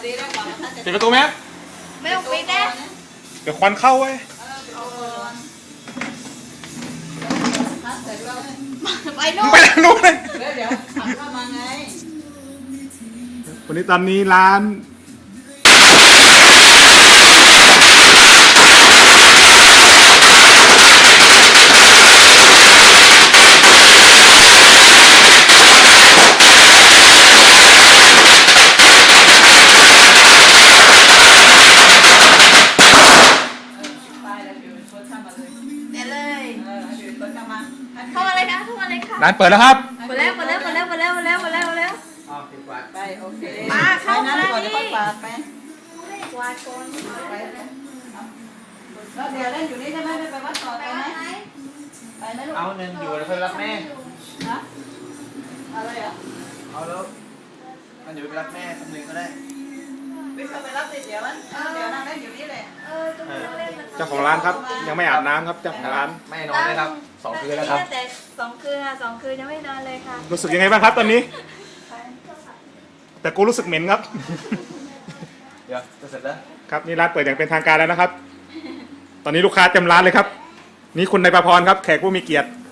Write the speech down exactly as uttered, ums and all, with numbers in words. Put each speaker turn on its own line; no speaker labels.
ปิดประตูไหม
ไม่ต้องปิดนะ
เดี๋ยวควันเข้าเว้ย
ไปนู่น
ไปทางนู้นเลย
เดี๋ยวเดี๋ยวขับเข้ามาไง
วันนี้ตอนนี้ร้าน
ไปแล้วเดี๋ยวรถเข้ามาเลย
เดี๋ยวเลย
เออเดี๋ยวรถเข้ามา
เข้ามาเลยค่ะเข้ามาเลยค่ะ
ร้านเปิดแล้วครับ
หมดแล้วหมดแล้วหมดแล้วหมดแล้วหมดแล้วหมดแล้วหมดแล้ว
อ๋อปิดกวาดไปโอเค
มาเข้ามา
ไปนั่งก่อน
นี่
เดี๋ยวค่อยปาดไป
กวาดก่อน
ไปเลยแล้วเดี๋ยวเล่นอยู่นี่ใช่ไหมไม่ไปวัดต่อไปไหมไปไหมลูก
เอาหนึ่งอยู่แล้วเพื่อนรักแม่
ฮะอะไรอ่ะ
เอาแล้วมันอยู่ไปรักแม่คนหนึ่งก็ได้
วิ่งเข้าไปรับติดเดี๋ยวมันเดี๋ยวนั่งเล่นอยู่นี่แหละ
เออตรงนี้เล่นมัน
เจ้าของร้านครับ ยังไม่อาบน้ำครับเจ้าของร้าน
แม่นอนได้ครับสองคืนแล้วครับ
แต่สองคืนค่ะสองคืนยังไม่นอนเลยค่ะ
รู้สึกยังไงบ้างครับตอนนี้ แต่กูรู้สึกเหม็นครับ
เดี๋ยวจะเสร็จแล้ว
ครับนี่ร้านเปิดอย่างเป็นทางการแล้วนะครับ ตอนนี้ลูกค้าเต็มร้านเลยครับ นี่คุณนายประพรครับแขกผู้มีเกียรติ